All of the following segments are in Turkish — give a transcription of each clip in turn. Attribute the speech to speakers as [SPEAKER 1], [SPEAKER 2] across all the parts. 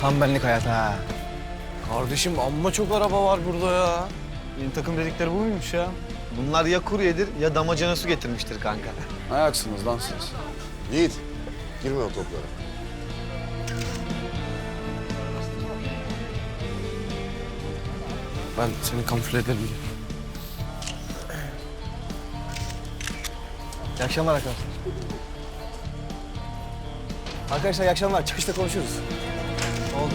[SPEAKER 1] Tam benlik hayat ha.
[SPEAKER 2] Kardeşim amma çok araba var burada ya.
[SPEAKER 1] Benim takım dedikleri bu muymuş ya? Bunlar ya kuryedir ya damacana su getirmiştir kanka.
[SPEAKER 3] Ne ayaksınız lan siz?
[SPEAKER 4] Yiğit, girme o toplara.
[SPEAKER 2] Ben seni kamufle ederim diye.
[SPEAKER 1] İyi akşamlar arkadaşlar. Arkadaşlar iyi akşamlar. Çıkışta konuşuruz. Oldu.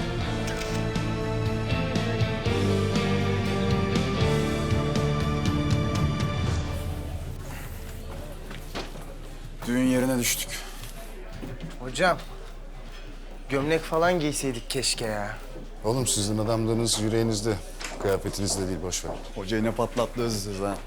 [SPEAKER 3] Düğün yerine düştük.
[SPEAKER 5] Hocam, gömlek falan giyseydik keşke ya.
[SPEAKER 4] Oğlum sizin adamlığınız yüreğinizde. Kıyafetinizde değil, boş ver.
[SPEAKER 3] Hocayı ne patlattınız siz ha?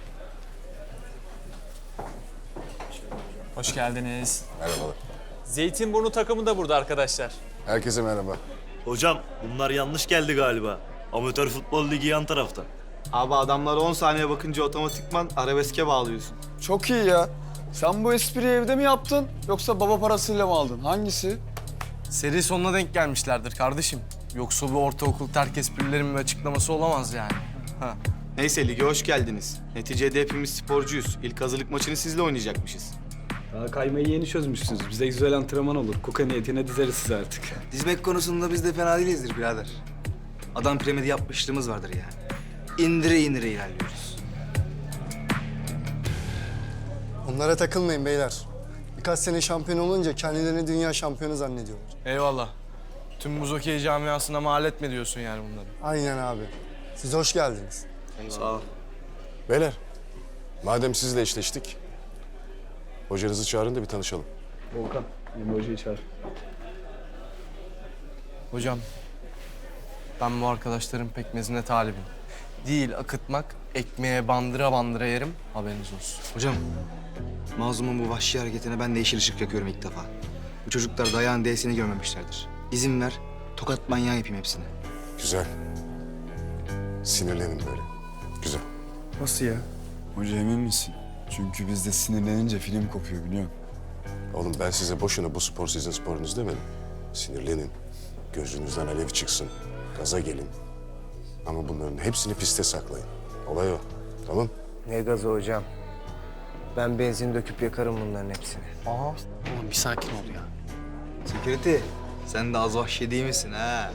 [SPEAKER 6] Hoş geldiniz.
[SPEAKER 4] Merhabalar.
[SPEAKER 6] Zeytinburnu takımı da burada arkadaşlar.
[SPEAKER 4] Herkese merhaba.
[SPEAKER 7] Hocam bunlar yanlış geldi galiba. Amatör futbol ligi yan tarafta.
[SPEAKER 1] Abi adamlara 10 saniye bakınca otomatikman arabeske bağlıyorsun.
[SPEAKER 3] Çok iyi ya. Sen bu espriyi evde mi yaptın yoksa baba parasıyla mı aldın? Hangisi?
[SPEAKER 2] Seri sonuna denk gelmişlerdir kardeşim. Yoksa bu ortaokul terk esprilerin bir açıklaması olamaz yani. Ha.
[SPEAKER 1] Neyse lige hoş geldiniz. Neticede hepimiz sporcuyuz. İlk hazırlık maçını sizle oynayacakmışız.
[SPEAKER 8] Daha kaymayı yeni çözmüşsünüz. Bize güzel antrenman olur. Kuka niyetine dizeriz sizi artık.
[SPEAKER 5] Dizmek konusunda biz de fena değilizdir birader. Adam piramidi yapmışlığımız vardır yani. İndire indire ilerliyoruz.
[SPEAKER 9] Onlara takılmayın beyler. Birkaç sene şampiyon olunca kendilerini dünya şampiyonu zannediyorlar.
[SPEAKER 2] Eyvallah. Tüm buz okey camiasına mal etme diyorsun yani bunları.
[SPEAKER 9] Aynen abi. Siz hoş geldiniz.
[SPEAKER 1] Sağ ol.
[SPEAKER 4] Beyler, madem sizle eşleştik, hocanızı çağırın da bir tanışalım.
[SPEAKER 8] Volkan, Emre Hoca'yı çağır.
[SPEAKER 2] Hocam, ben bu arkadaşların pekmezine talibim. Değil akıtmak, ekmeğe bandıra bandıra yerim, haberiniz olsun.
[SPEAKER 5] Hocam, mazlumun bu vahşi hareketine ben de yeşil ışık yakıyorum ilk defa. Bu çocuklar dayağın D'sini görmemişlerdir. İzin ver, tokat manyağı yapayım hepsini.
[SPEAKER 4] Güzel. Sinirlenin böyle. Güzel.
[SPEAKER 3] Nasıl ya? Hoca emin misin? Çünkü bizde sinirlenince film kopuyor biliyor musun?
[SPEAKER 4] Oğlum ben size boşuna bu spor sizin sporunuz demedim. Sinirlenin. Gözünüzden alev çıksın. Gaza gelin. Ama bunların hepsini piste saklayın. Olay o. Tamam?
[SPEAKER 5] Ne gazı hocam? Ben benzin döküp yakarım bunların hepsini.
[SPEAKER 2] Oğlum bir sakin ol ya.
[SPEAKER 5] Security, sen de az vahşi değil misin ha?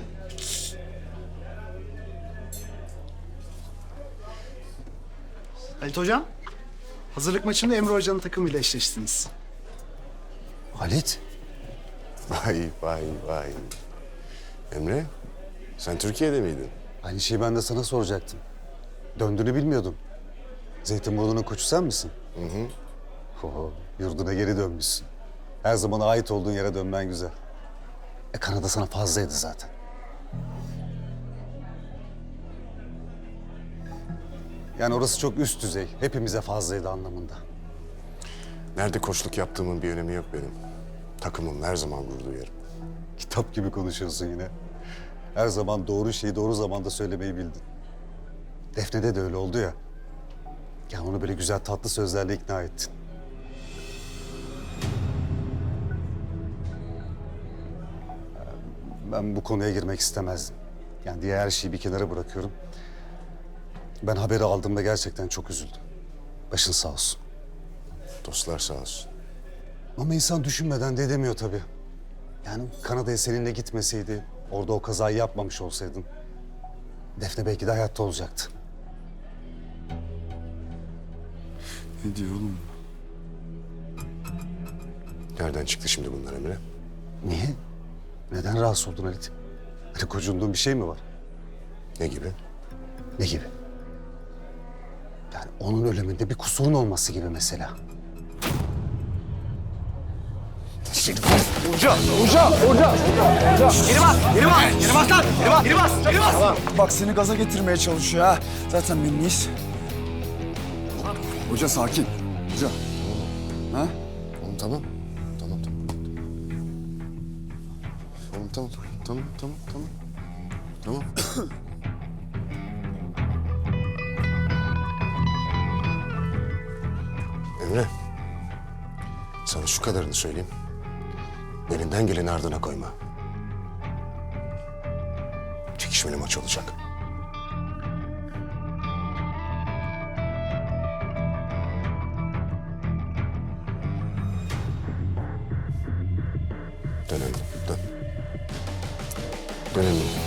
[SPEAKER 10] Halit Hocam, hazırlık maçında Emre Hoca'nın takımıyla eşleştiniz.
[SPEAKER 9] Halit.
[SPEAKER 4] Vay vay vay. Emre, sen Türkiye'de miydin?
[SPEAKER 9] Aynı şeyi ben de sana soracaktım. Döndüğünü bilmiyordum. Zeytinburnu'nun koçu sen misin?
[SPEAKER 4] Hı hı.
[SPEAKER 9] Oho, yurduna geri dönmüşsün. Her zaman ait olduğun yere dönmen güzel. Kanada sana fazlaydı zaten. Yani orası çok üst düzey. Hepimize fazlaydı anlamında.
[SPEAKER 4] Nerede koçluk yaptığımın bir önemi yok benim. Takımım her zaman gurur duyarım.
[SPEAKER 9] Kitap gibi konuşuyorsun yine. Her zaman doğru şeyi doğru zamanda söylemeyi bildin. Defne'de de öyle oldu ya. Yani onu böyle güzel tatlı sözlerle ikna ettin. Ben bu konuya girmek istemezdim. Yani diğer her şeyi bir kenara bırakıyorum. Ben haberi aldığımda gerçekten çok üzüldüm. Başın sağ olsun.
[SPEAKER 4] Dostlar sağ olsun.
[SPEAKER 9] Ama insan düşünmeden de edemiyor tabii. Yani Kanada'ya seninle gitmeseydi, orada o kazayı yapmamış olsaydın... Defne belki de hayatta olacaktı.
[SPEAKER 3] Ne diyor oğlum?
[SPEAKER 4] Nereden çıktı şimdi bunlar Emre?
[SPEAKER 9] Niye? Neden rahatsız oldun Halit? Hani gocunduğun bir şey mi var?
[SPEAKER 4] Ne gibi?
[SPEAKER 9] Ne gibi? Yani onun ölümünde bir kusurun olması gibi mesela.
[SPEAKER 3] Bak seni gaza getirmeye çalışıyor ha. Zaten minniyiz. Hoca sakin. Hoca. Ha?
[SPEAKER 4] Oğlum tamam. Tamam tamam. Oğlum tamam. Tamam tamam tamam. Tamam. Emre. Sana şu kadarını söyleyeyim. Elinden geleni ardına koyma. gelişmeli maç olacak. Dön Emre, dön. Dön Emre.